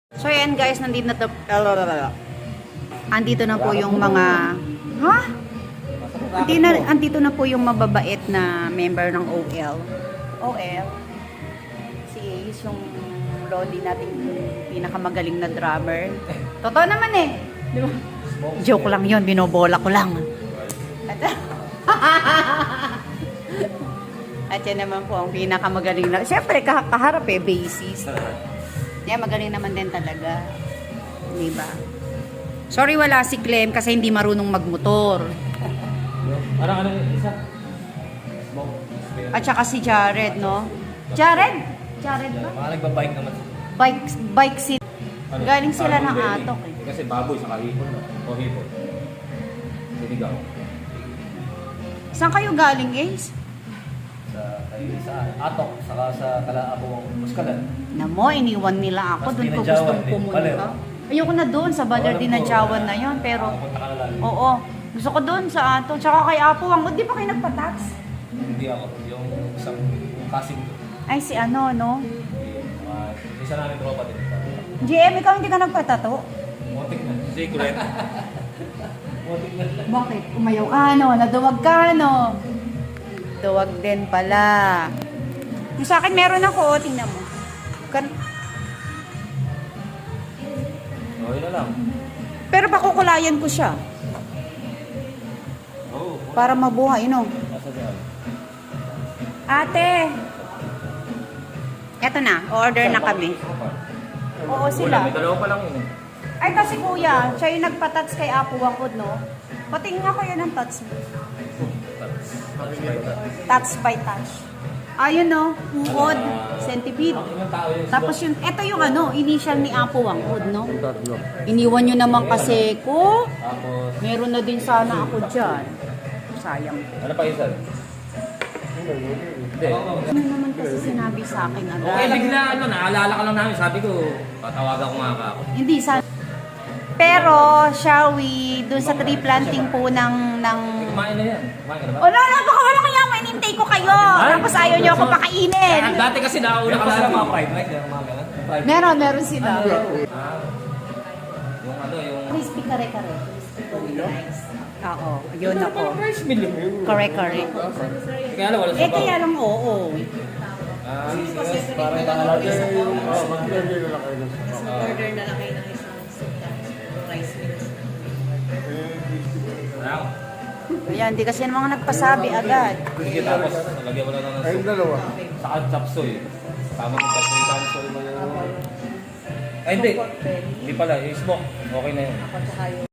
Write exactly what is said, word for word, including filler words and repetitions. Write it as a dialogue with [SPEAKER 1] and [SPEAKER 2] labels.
[SPEAKER 1] So yan guys, nandito na to, andito na po yung mga, ha? Andito na, andito na po yung mababait na member ng O L. O L? Si Ace, yung Lodi nating pinakamagaling na drummer. Totoo naman eh. Di ba? Joke lang yun, binobola ko lang. At, At yan naman po ang pinakamagaling na, siyempre kaharap eh, bassist. Yeah, magaling naman din talaga. Diba? Sorry wala si Clem kasi hindi marunong magmotor.
[SPEAKER 2] Parang ano isa?
[SPEAKER 1] At saka si Jared, no? Jared? Jared ba?
[SPEAKER 2] Parang nagbabike naman.
[SPEAKER 1] Bike, bike seat.
[SPEAKER 2] Ano?
[SPEAKER 1] Galing sila ng
[SPEAKER 2] Baboy,
[SPEAKER 1] atok eh.
[SPEAKER 2] Kasi baboy sa kahipon, no? O hipon. Sinigaw.
[SPEAKER 1] Saan kayo galing, Ace?
[SPEAKER 2] Sa, kay, sa atok, saka sa kalaapo ang muskalan.
[SPEAKER 1] Namo, iniwan nila ako.
[SPEAKER 2] Mas
[SPEAKER 1] Doon ko
[SPEAKER 2] dinadyawan
[SPEAKER 1] gustong
[SPEAKER 2] din.
[SPEAKER 1] pumunta.
[SPEAKER 2] Paler.
[SPEAKER 1] Ayoko na doon sa Baler
[SPEAKER 2] Wala
[SPEAKER 1] Dinadyawan
[SPEAKER 2] po.
[SPEAKER 1] na yon. Pero,
[SPEAKER 2] Pupunta ka na lang.
[SPEAKER 1] oo. Gusto ko doon sa ato. Tsaka kay Apo Wang. Di ba kayo nagpa-tax?
[SPEAKER 2] Hindi ako. Yung isang yung casting ko.
[SPEAKER 1] Ay, si ano, no?
[SPEAKER 2] Uh, isa namin tropa din.
[SPEAKER 1] G M, ikaw hindi ka nagpatato?
[SPEAKER 2] Motik na. Secret. Motik na.
[SPEAKER 1] Bakit? Umayaw ka, no? Naduwag ka, no? Duwag din pala. Yung sa akin, meron ako. Tingnan mo. Kan-
[SPEAKER 2] Okay na lang.
[SPEAKER 1] Pero pakukulayan ko siya.
[SPEAKER 2] Oo. Oh,
[SPEAKER 1] Para mabuhay, no?
[SPEAKER 2] nasa dyan.
[SPEAKER 1] Ate! Eto na. Order na kami. Oo,
[SPEAKER 2] Wala,
[SPEAKER 1] sila.
[SPEAKER 2] may dalawa pa lang yun eh.
[SPEAKER 1] Ay, kasi kuya, siya yung nagpa-touch kay Apo Wangkod, no? Patingin ako yun ang touch mo. Touch by touch. Ayun, no? Uod, centipede.
[SPEAKER 2] Ilang tao yun?
[SPEAKER 1] Tapos yun, eto yung ano, initial ni Apo Wangkod, no? Iniwan nyo naman kasi ko.
[SPEAKER 2] Tapos,
[SPEAKER 1] Meron na din sana ako dyan. Sayang.
[SPEAKER 2] ano pa isa? Hindi.
[SPEAKER 1] Ano naman kasi sinabi sa akin
[SPEAKER 2] Okay,
[SPEAKER 1] agad?
[SPEAKER 2] bigla ano, naalala ka lang namin. Sabi ko, patawagan ko nga ka ako.
[SPEAKER 1] Hindi, sa... Pero, shall we, dun sa tree planting po ng... ng...
[SPEAKER 2] Kumain na yan. Kumain ka na ba?
[SPEAKER 1] Oh, no, no, baka walang kaya, mainintay ko kayo. Tapos ayaw nyo ako pakainin.
[SPEAKER 2] Ah, dati kasi nauna ka lang mga fried rice. Yung mga ganun. Fried
[SPEAKER 1] Meron, meron sila.
[SPEAKER 2] Ah, yung ano, yung...
[SPEAKER 1] Crispy kare-kare. Crispy rice. Oo, yun ako.
[SPEAKER 2] rice meal yun.
[SPEAKER 1] Kare-kare.
[SPEAKER 2] Kaya lang, wala
[SPEAKER 1] Eh,
[SPEAKER 2] sabaw.
[SPEAKER 1] kaya lang oo.
[SPEAKER 2] Ah, yes, parang nakalagay yung... Oh, mag-order na lang kayo.
[SPEAKER 1] Order na lang kayo ng isang rice meal.
[SPEAKER 2] Wow.
[SPEAKER 1] Kaya hindi kasi yung mga nagpasabi agad.
[SPEAKER 2] Sige, tapos lagyan mo na lang ng soup.
[SPEAKER 3] dalawa.
[SPEAKER 2] Saka chapsoy. Tama yung chapsoy, chapsoy mo yung... Ay, hindi. Hindi pala. Yung smoke. Okay na yun.